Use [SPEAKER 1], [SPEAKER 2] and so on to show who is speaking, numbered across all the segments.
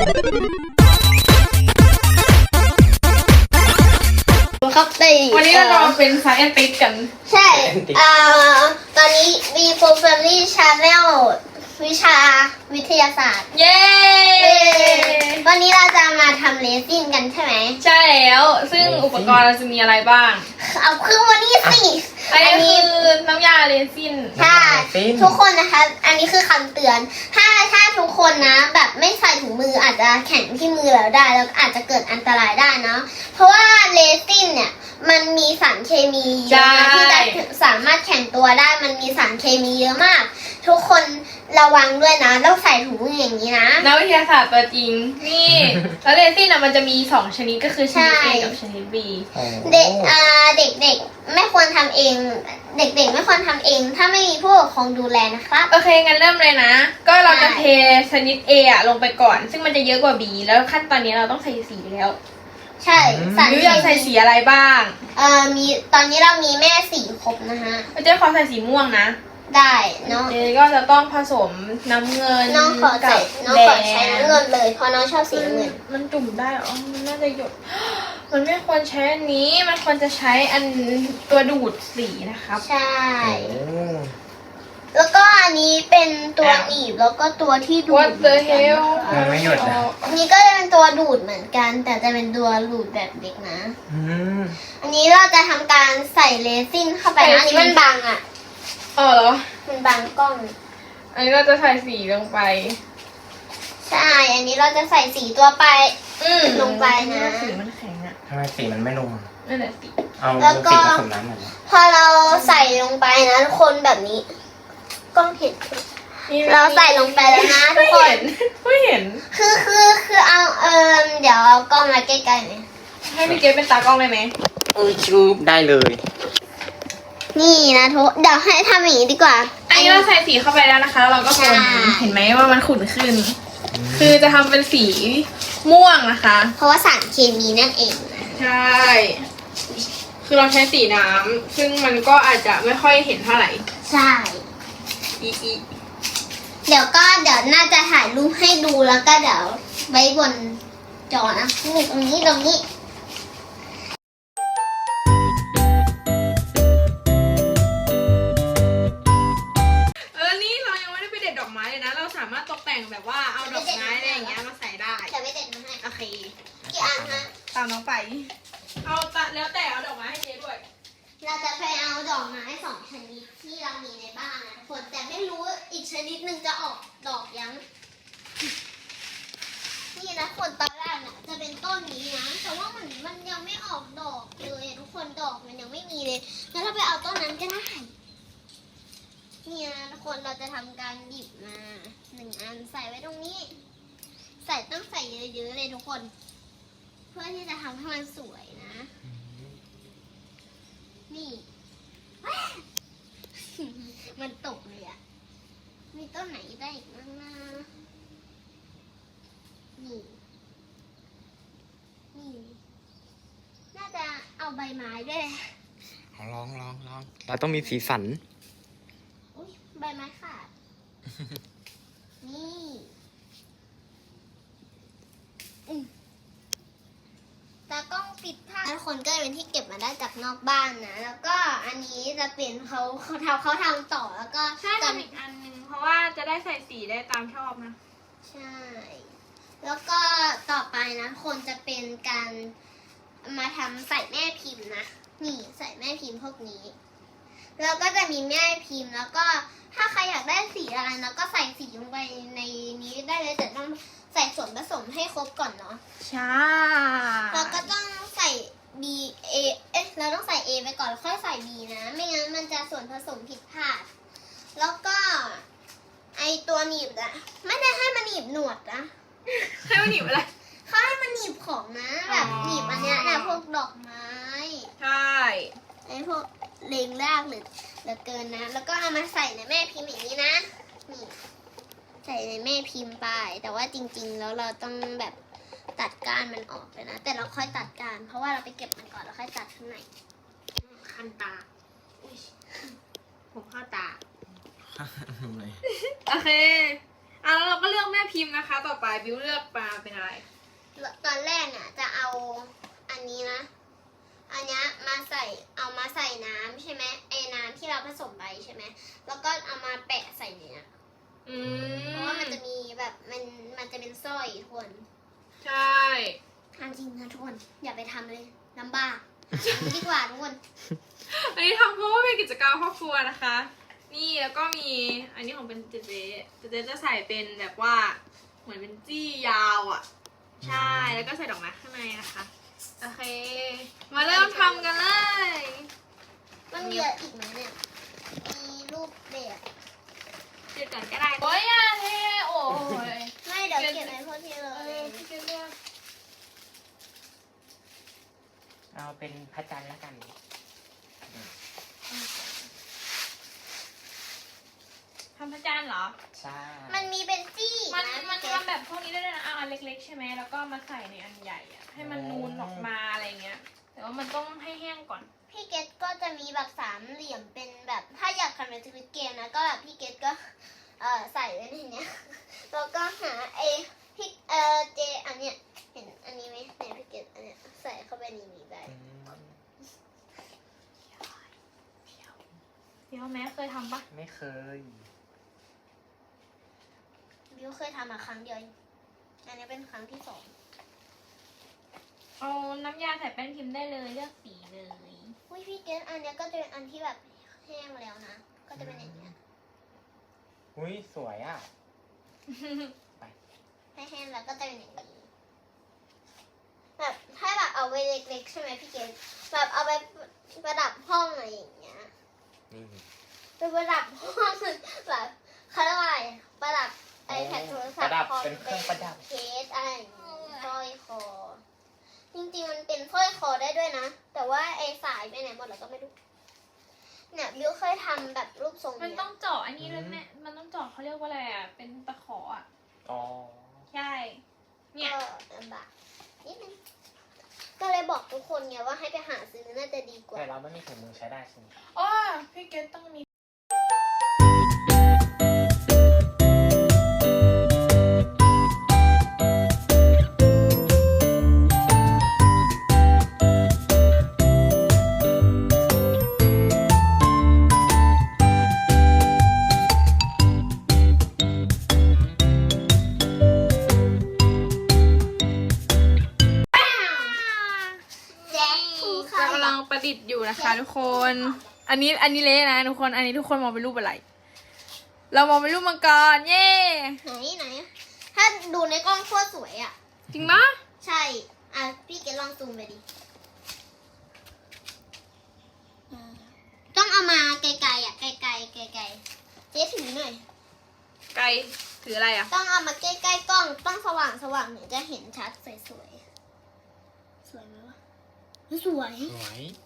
[SPEAKER 1] ครับ
[SPEAKER 2] วันนี้เราเป็นไซแอนติสกัน
[SPEAKER 1] ใช่ตอนนี้ V4 Family Channel วิชาวิทยาศาสตร์
[SPEAKER 2] เย้
[SPEAKER 1] วันนี้เราจะมาทำเลซินกันใช่ไหม
[SPEAKER 2] ใช่แล้วซึ่งอุปกรณ์เราจะมีอะไรบ้าง
[SPEAKER 1] เอาเครื่องวันนี้สิ
[SPEAKER 2] อันนี้คือน้ำยาเรซิน
[SPEAKER 1] ใช่ทุกคนนะคะอันนี้คือคำเตือนถ้าทุกคนนะแบบไม่ใส่ถุงมืออาจจะแข็งที่มือเราได้แล้วอาจจะเกิดอันตรายได้เนาะเพราะว่าเรซินเนี่ยมันมีสารเคมีเยอะนะที่จะสามารถแข็งตัวได้มันมีสารเคมีเยอะมากทุกคนระวังด้วยนะต้องใส่ถุงมืออย่างนี้นะ
[SPEAKER 2] นักวิทยาศาสตร์ตัวจริงนี่แล้วเรซินมันจะมี2ชนิดก็คือชนิด A กับชนิด B
[SPEAKER 1] เด็กไม่ควรทำเองเด็กๆไม่ควรทำเองถ้าไม่มีผู้ปกครองดูแลนะครับ
[SPEAKER 2] โอเคงั้นเริ่มเลยนะก็เราจะเทชนิด A อะลงไปก่อนซึ่งมันจะเยอะกว่า B แล้วขั้นตอนนี้เราต้องใส่สีแล้ว
[SPEAKER 1] ใช่
[SPEAKER 2] มิวอยากใส่สีอะไรบ้าง
[SPEAKER 1] มีตอนนี้เรามีแม่สีครบนะฮะ
[SPEAKER 2] เจ๊ขอใส่สีม่วงนะ
[SPEAKER 1] ได้เนาะ
[SPEAKER 2] เจ๊ก็จะต้องผสมน้ำเงิน
[SPEAKER 1] น้องขอใช้น้องขอใช้น้ำเงินเลยเพราะน้องชอบสีน้ำเงิน
[SPEAKER 2] มันจุ่มได้อ๋อมันน่าจะหยดมันไม่ควรใช้อันนี้มันควรจะใช้อันตัวดูดสีนะครับ
[SPEAKER 1] ใช่แล้วก็อันนี้เป็นตัวหนีบแล้วก็ตัวที่ดูด
[SPEAKER 2] What the hell
[SPEAKER 3] มันไม่หยุดนะ
[SPEAKER 1] อันนี้ก็จะเป็นตัวดูดเหมือนกันแต่จะเป็นตัวดูดแบบเด็กนะอันนี้เราจะทำการใส่เรซินเข้าไปนะอันนี้มันบังอ่ะ
[SPEAKER 2] เหรอ
[SPEAKER 1] มันบังกล้อง
[SPEAKER 2] อันนี้เราจะใส่สีลงไป
[SPEAKER 1] ใช่อันนี้เราจะใส่สีตัวไปลงไปนะ
[SPEAKER 2] สีมันแข็งอ่ะ
[SPEAKER 3] ทำไมสีมันไม่ลง
[SPEAKER 2] นั่นแหละสี
[SPEAKER 3] เอาสีผสมน้ำหน่อย
[SPEAKER 1] พอเราใส่ลงไปนะทุกคนแบบนี้กล้องเห็นเราใส่ลงไปแล้วนะทุกคน
[SPEAKER 2] ไม่เห็น
[SPEAKER 1] คือเอาเดี๋ยวเอากล้องมาใกล้ๆไหม
[SPEAKER 2] ให้พี่เกดเป็นตากล้องได้ไหม
[SPEAKER 3] ชูบได้เลย
[SPEAKER 1] นี่นะทุกเดี๋ยวให้ทำอย่างนี้ดีกว่า
[SPEAKER 2] อันนี้เราใส่สีเข้าไปแล้วนะคะเราก็คนเห็นไหมว่ามันขุ่นขึ้นคือจะทำเป็นสีม่วงนะคะ
[SPEAKER 1] เพราะว่าสารเคมีนั่นเอง
[SPEAKER 2] ใช่คือเราใช้สีน้ำซึ่งมันก็อาจจะไม่ค่อยเห็นเท่าไหร่
[SPEAKER 1] ใช่เดี๋ยวน่าจะถ่ายรูปให้ดูแล้วก็เดี๋ยวไว้บนจอนะนี่ตรงนี้
[SPEAKER 2] นี่เรายังไม่ได้ไปเด็ดดอกไม้เลยนะเราสามารถตกแต่งแบบว่าเอาดอกไม้อะไรอย่างเงี้ยมาใส่ได้
[SPEAKER 1] จะไม่เด็ดมาให้
[SPEAKER 2] โอเค
[SPEAKER 1] กี่อันฮะ
[SPEAKER 2] ตามน้องไปเอาแล้วแต่เอาดอกไม้ให้เจ๊ด้วย
[SPEAKER 1] เราจะไปเอาดอกไม้2 ชนิดที่เรามีในบ้านนะทุกคนแต่ไม่รู้อีกชนิดหนึ่งจะออกดอกยังนี่นะคนตอนแรกน่ะจะเป็นต้นนี้นะแต่ว่ามันยังไม่ออกดอกเลยทุกคนดอกมันยังไม่มีเลยงั้นเราไปเอาต้นนั้นก็ได้นี่นะทุกคนเราจะทำการหยิบมา1 อันใส่ไว้ตรงนี้ต้องใส่เยอะๆเลยทุกคนเพื่อที่จะทำให้มันสวยนะนี่มันตกเลยอ่ะมีต้นไหนได้อีกบ้างนะนี่น่าจะเอาใบไม้ด้วย
[SPEAKER 3] ลองเราต้องมีสีสัน
[SPEAKER 1] อุ๊ยใบไม้ขาดนี่ตากล้องปิดผ้าทุกคนก็เป็นที่เก็บมาได้จากนอกบ้านนะแล้วก็อันนี้จะเป็นเขาทำต่อแล้วก็
[SPEAKER 2] ใช่ทำอีกอันนึงเพราะว่าจะได้ใส่สีได้ตามชอบนะ
[SPEAKER 1] ใช่แล้วก็ต่อไปนะคนจะเป็นการมาทำใส่แม่พิมพ์นะนี่ใส่แม่พิมพ์พวกนี้แล้วก็จะมีแม่พิมพ์แล้วก็ถ้าใครอยากได้สีอะไรนะก็ใส่สีลงไปในนี้ได้เลยแต่ต้องใส่ส่วนผสมให้ครบก่อนเนาะ
[SPEAKER 2] ใช่
[SPEAKER 1] แล้วก็ต้องใส่ B A เราต้องใส่ A ไปก่อนแล้วค่อยใส่ B นะไม่งั้นมันจะส่วนผสมผิดพลาดแล้วก็ไอตัวหนีบอะไม่ได้ให้มันหนีบหนวดนะ
[SPEAKER 2] ให้มันหนีบอะไร
[SPEAKER 1] เขาให้มันหนีบของนะแบบหนีบอันเนี้ยนะพวกดอกไม้
[SPEAKER 2] ใช่
[SPEAKER 1] ไอพวกเลงรากเหลือเกินนะแล้วก็เอามาใส่ในแม่พิมพ์อย่างนี้นะนี่ใส่ในแม่พิมพ์ไปแต่ว่าจริงๆแล้วเราต้องแบบตัดก้านมันออกเลยนะแต่เราค่อยตัดก้านเพราะว่าเราไปเก็บมันก่อนแล้วค่อยตัดข้างใน
[SPEAKER 2] คันตาผมเข้าตาโอเคแล้วเราก็เลือกแม่พิมพ์นะคะ ต่อไปบิวเลือกมาเป็นอะไร
[SPEAKER 1] ตอนแรกเนี่ยจะเอาอันนี้นะ อันเนี้ยเอามาใส่น้ำใช่ไหมไอ้น้ำที่เราผสมไปใช่ไหมแล้วก็เอามาแปะใส่เนี้ย
[SPEAKER 2] อื
[SPEAKER 1] เพราะว่ามันจะมีแบบมันจะเป็นสร้อยทุกคน
[SPEAKER 2] ใช่
[SPEAKER 1] ทำจริงนะทุกคนอย่าไปทำเลยลำบากทำดีกว่าทุกคน
[SPEAKER 2] อันนี้ทำเพราะว่าเป็นกิจกรรมครอบครัวนะคะ นี่แล้วก็มีอันนี้ของเป็นเจเจจะใส่เป็นแบบว่าเหมือนเป็นจี้ยาวอ่ะ ใช่แล้วก็ใส่ดอกไม้ข้างในนะคะโอเค มาเริ่มทำกันเลย
[SPEAKER 1] มันเหลืออีกไหมเนี่ยมีรูปแบบ
[SPEAKER 2] เดี๋ยวก่อนก็ได้โอ้ยอย่าเทโอ้ย
[SPEAKER 1] ไม่เดี๋ยวเก็บไว้พวกที่เล
[SPEAKER 2] เอย อพี่เกดเลือก
[SPEAKER 3] เอาเป็นพระจันทร์แล้วกัน
[SPEAKER 2] ทำพระจันทร์เหรอ
[SPEAKER 3] ใช่
[SPEAKER 1] มันมีเป็นจี้
[SPEAKER 2] มัน
[SPEAKER 1] นะ
[SPEAKER 2] มันทำแบบพวกนี้ได้ด้วยนะเอาอันเล็กๆใช่ไหมแล้วก็มาใส่ในอันใหญ่อะให้มันนูนออกมาอะไรเงี้ย แต่ว่ามันต้องให้แห้งก่อน
[SPEAKER 1] พี่เกตก็จะมีแบบสามเหลี่ยมเป็นแบบถ้าอยากทำเป็นสวิตเกมนะก็แบบพี่เกตก็ใส่ไว้ในเนี้ยแล้วก็หาพี่เจอันเนี้ยเห็นอันนี้ไหมเนี่ยพี่เกตอันเนี้ยใส่เข้าไปในนี้ได้
[SPEAKER 3] อืม
[SPEAKER 2] เดี๋ยวแม่เคยทำปะ
[SPEAKER 3] ไม่เคย
[SPEAKER 1] บิวเคยทำมาครั้งเดียวเองอันนี้เป็นครั้งที่สอง
[SPEAKER 2] เอาน้ำยาใส่แป้นพิมพ์ได้เลยเลือกสีเลย
[SPEAKER 1] อุ้ยพี่เกตอันเนี้ยก็จะเป็นอันที่แบบแห้งแล้วนะก็จะเป็นอย่างเงี้ย
[SPEAKER 3] อุ้ยสวยอ่ะ
[SPEAKER 1] ให้แห้งแล้วก็จะเป็นอย่างนี้แบบถ้าแบบเอาไว้เล็กๆใช่ไหมพี่เกตแบบเอาไปประดับห้องอะไรอย่างเงี้ย
[SPEAKER 3] นี่
[SPEAKER 1] ไปประดับห้องแบบเขาเรียกว่าอะไรประดับไอแพดโทรศัพท์
[SPEAKER 3] ประดับ
[SPEAKER 1] คอม
[SPEAKER 3] เป็นเครื่องประดับ
[SPEAKER 1] เคสอะไรอย่างงี้สร้อยคอ จริงๆมันเป็นสร้อยคอได้ด้วยนะ แต่ว่าไอสายไปไหนหมดแล้วก็ไม่รู้เนี่ยบิวเคยทำแบบรูปทรง
[SPEAKER 2] มัน
[SPEAKER 1] เนี้
[SPEAKER 2] ต้อย งเจาะอันนี้เลยแม่มันต้องเจาะเขาเรียกว่าอะไรอ่ะเป็นตะขออ่ะ
[SPEAKER 3] อ๋อ
[SPEAKER 2] ใช่เนี่ย
[SPEAKER 1] ก็ลำบากนิดนึงก็เลยบอกทุกคนไงว่าให้ไปหาซื้อน่าจะดีกว่า
[SPEAKER 3] แต่เราไม่มีถุงมือใช้ได้ใช่ไหม
[SPEAKER 2] อ๋อพี่เกดต้องมีเรากำลังประดิษฐ์อยู่นะคะทุกคน อันนี้เละนะทุกคน อันนี้ทุกคนมองเป็นรูปอะไร เรามองเป็นรูปมังกร เย้
[SPEAKER 1] ไหนถ้าดูในกล้องโคตรสวยอ่ะ
[SPEAKER 2] จริงปะ
[SPEAKER 1] ใช่ พี่เกดลองซูมไปดิต้องเอามาไกลๆอ่ะ ไกลๆเจ๊ถือหน่อย
[SPEAKER 2] ไกลถืออะไรอ่ะ
[SPEAKER 1] ต้องเอามาใกล้ๆกล้อง ต้องสว่างถึงจะเห็นชัดสวยๆ สวยไหมวะสวย
[SPEAKER 3] สวย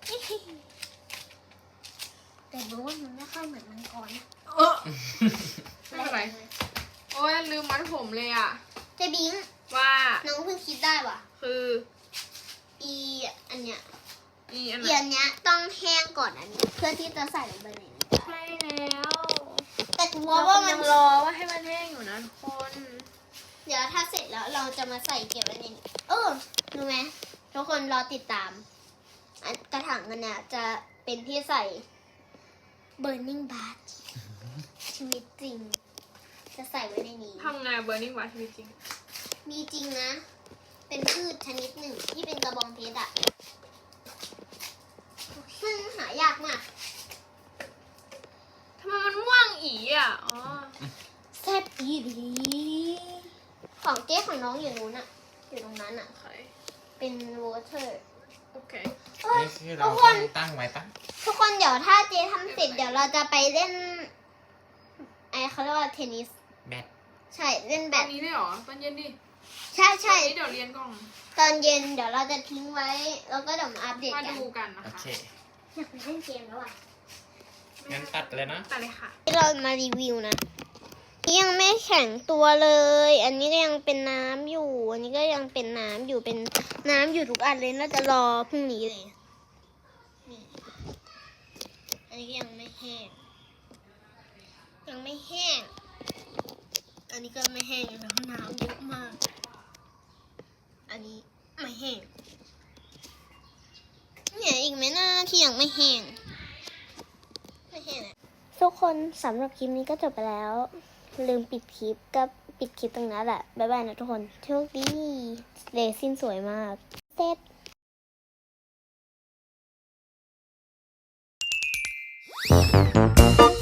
[SPEAKER 1] แต่รู้ว่ามันไม่ค่อยเหมือนมังกรนะ
[SPEAKER 2] ไม่เป็นไร โอ้ยลืมมัดผมเลยอ่ะ
[SPEAKER 1] เจบิง
[SPEAKER 2] ว่า
[SPEAKER 1] น้องเพิ่งคิดได้ว่ะ
[SPEAKER 2] คือ
[SPEAKER 1] อันเนี้ย
[SPEAKER 2] นี่อันไหน
[SPEAKER 1] อันเนี้ยต้องแห้งก่อนอันนี้เพื่อที่จะใส่ลงไปในนี้
[SPEAKER 2] ใช่แล้ว
[SPEAKER 1] แต่กลัว
[SPEAKER 2] เรา
[SPEAKER 1] ว่ามั
[SPEAKER 2] ยั
[SPEAKER 1] น
[SPEAKER 2] งรอว่าให้มันแห้งอยู่นะทุกคน
[SPEAKER 1] เดี๋ยวถ้าเสร็จแล้วเราจะมาใส่เก็บไว้ในนี้รู้ไหมทุกคนรอติดตามอันกระถางอันเนี้ยจะเป็นที่ใส่ burning bar ชีวิตจริง จะใส่ไว้ในนี้
[SPEAKER 2] ทำไงเบอร์นิ่งวะชีวิตจริง
[SPEAKER 1] มีจริงนะ เป็นพืชชนิดหนึ่งที่เป็นกระบองเพชรอะซึ่งหายากมาก
[SPEAKER 2] ทำไมมันม่วงอีอ่ะ อ๋อ
[SPEAKER 1] แซ่บอีหลีของเจ๊ของน้องอยู่นู้นอะอยู่ตรงนั้นอะ
[SPEAKER 2] โอเค
[SPEAKER 1] เป็นวอเตอร์
[SPEAKER 2] โอเค
[SPEAKER 3] นี่คือเราต้องตั้งไว้ตั้ง
[SPEAKER 1] ทุกคนเดี๋ยวถ้าเจ๊ทำเสร็จเดี๋ยวเราจะไปเล่นเขาเรียกว่าเทนนิส
[SPEAKER 3] แบต
[SPEAKER 1] ใช่เล่นแบ
[SPEAKER 2] ตอ
[SPEAKER 1] ด
[SPEAKER 2] นนี้ได้เหรอ ตอนเย็นดิ
[SPEAKER 1] ใช่ใช่
[SPEAKER 2] ตอนนี้เดี๋ยวเรียนก่อน
[SPEAKER 1] ตอนเย็นเดี๋ยวเราจะทิ้งไว้ แล้วก็เดี๋ยวมาอัปเดต
[SPEAKER 2] มา
[SPEAKER 1] กัน
[SPEAKER 2] ดูกันนะ
[SPEAKER 3] โอ
[SPEAKER 2] คะ
[SPEAKER 3] เค
[SPEAKER 1] อยากไปเล่นเกมแล้วอ่ะ
[SPEAKER 3] งั้นตัดเลยนะ
[SPEAKER 2] ตัดเลยค่ะ
[SPEAKER 1] ที่เรามารีวิวนะนี่ยังไม่แข็งตัวเลย อันนี้ก็ยังเป็นน้ำอยู่ อันนี้ก็ยังเป็นน้ำอยู่เป็นน้ำอยู่ทุกอันเลยน่าจะรอพรุ่งนี้เลยนี่อันนี้ก็ยังไม่แห้ง ยังไม่แห้งอันนี้ก็ไม่แห้งแล้วน้ำเยอะมาก อันนี้ไม่แห้งเนี่ยอีกไหมนะที่ยังไม่แห้งอะทุกคนสำหรับคลิปนี้ก็จบไปแล้ว ลืมปิดคลิปก็ปิดคลิปตรงนั้นแหละ บ๊ายบายนะทุกคนโชคดีเรซินสวยมากเสร็จ